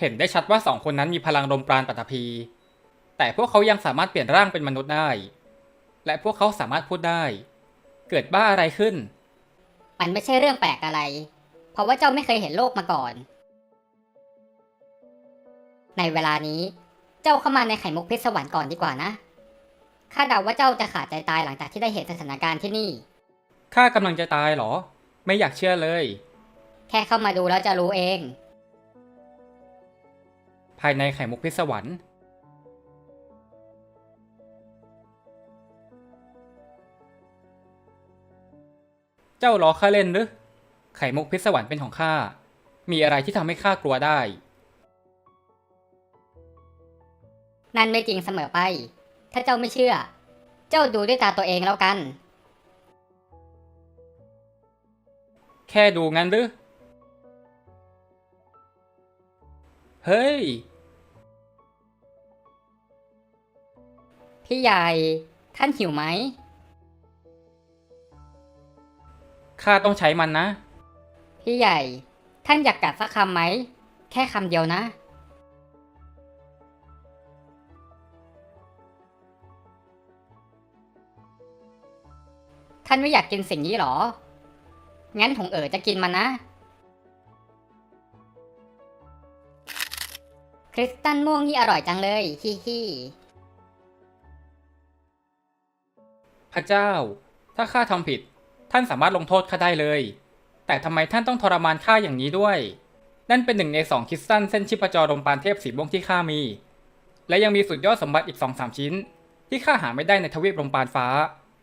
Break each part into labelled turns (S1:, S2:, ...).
S1: เห็นได้ชัดว่าสองคนนั้นมีพลังลมปราณปัตภีแต่พวกเขายังสามารถเปลี่ยนร่างเป็นมนุษย์ได้และพวกเขาสามารถพูดได้เกิดบ้าอะไรขึ้น
S2: มันไม่ใช่เรื่องแปลกอะไรเพราะว่าเจ้าไม่เคยเห็นโลกมาก่อนในเวลานี้เจ้าเข้ามาในไข่มุกพิศวรรค์ก่อนดีกว่านะข้าเดาว่าเจ้าจะขาดใจตายหลังจากที่ได้เห็นสถานการณ์ที่นี่
S1: ข้ากำลังจะตายเหรอไม่อยากเชื่อเลย
S2: แค่เข้ามาดูแล้วจะรู้เอง
S1: ภายในไข่มุกพิศวรรค์เจ้าล้อข้าเล่นหรือไข่มุกพิศวรรค์เป็นของข้ามีอะไรที่ทำให้ข้ากลัวได้
S2: นั่นไม่จริงเสมอไปถ้าเจ้าไม่เชื่อเจ้าดูด้วยตาตัวเองแล้วกัน
S1: แค่ดูงั้นหรือเฮ้ย
S2: พี่ใหญ่ท่านหิวไหม
S1: ข้าต้องใช้มันนะ
S2: พี่ใหญ่ท่านอยากกัดสักคำไหมแค่คำเดียวนะท่านไม่อยากกินสิ่งนี้หรองั้นถงจะกินมันนะคริสตัลม่วงนี่อร่อยจังเลยฮิฮิ
S1: พระเจ้าถ้าข้าทำผิดท่านสามารถลงโทษข้าได้เลยแต่ทำไมท่านต้องทรมานข้าอย่างนี้ด้วยนั่นเป็นหนึ่งใน2คริสตัลเส้นชีพจรลมปราณเทพสีม่วงที่ข้ามีและยังมีสุดยอดสมบัติอีก 2-3 ชิ้นที่ข้าหาไม่ได้ในทวีปลมปราณฟ้า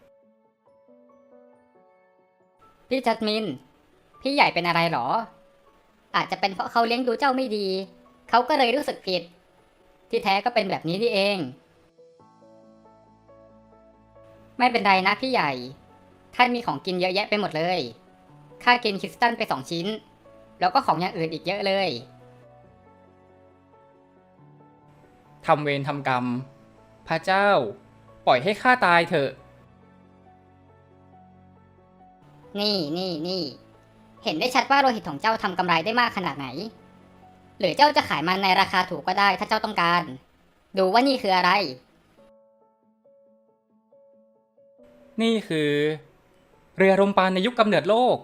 S2: พี่จัดมินพี่ใหญ่เป็นอะไรหรออาจจะเป็นเพราะเขาเลี้ยงดูเจ้าไม่ดีเขาก็เลยรู้สึกผิดที่แท้ก็เป็นแบบนี้นี่เองไม่เป็นไรนะพี่ใหญ่ท่านมีของกินเยอะแยะไปหมดเลยข้ากินคริสตัลไป2 ชิ้นแล้วก็ของอย่างอื่นอีกเยอะเลย
S1: ทำเวรทำกรรมพระเจ้าปล่อยให้ข้าตายเถอะ
S2: นี่เห็นได้ชัดว่าโลหิตของเจ้าทำกำไรได้มากขนาดไหนหรือเจ้าจะขายมันในราคาถูกก็ได้ถ้าเจ้าต้องการดูว่านี่คืออะไร
S1: นี่คือเรือลมปราณในยุคกำเนิดโลก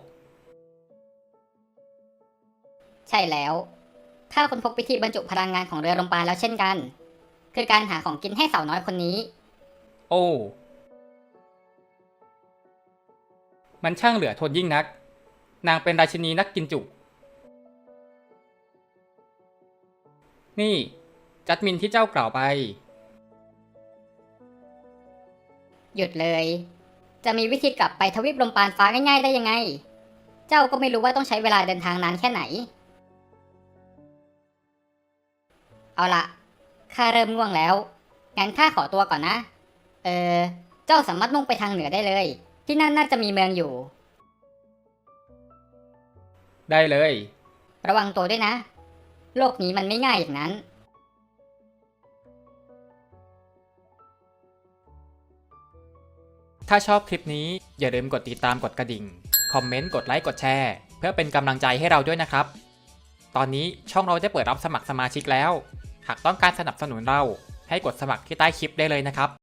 S2: ใช่แล้วข้าค้นพบวิธีบรรจุพลังงานของเรือลมปราณแล้วเช่นกันคือการหาของกินให้สาวน้อยคนนี้
S1: โอ้มันช่างเหลือทนยิ่งนักนางเป็นราชินีนักกินจุนี่จัดมินที่เจ้ากล่าวไป
S2: หยุดเลยจะมีวิธีกลับไปทวีปลมปราณฟ้าง่ายๆได้ยังไงเจ้าก็ไม่รู้ว่าต้องใช้เวลาเดินทางนานแค่ไหนเอาละข้าเริ่มง่วงแล้วงั้นข้าขอตัวก่อนนะเจ้าสามารถมุ่งไปทางเหนือได้เลยที่นั่นน่าจะมีเมืองอยู่
S1: ได้เลย
S2: ระวังตัวด้วยนะโลกนี้มันไม่ง่ายอย่างนั้น
S1: ถ้าชอบคลิปนี้อย่าลืมกดติดตามกดกระดิ่งคอมเมนต์กดไลค์กดแชร์เพื่อเป็นกำลังใจให้เราด้วยนะครับตอนนี้ช่องเราได้เปิดรับสมัครสมาชิกแล้วหากต้องการสนับสนุนเราให้กดสมัครที่ใต้คลิปได้เลยนะครับ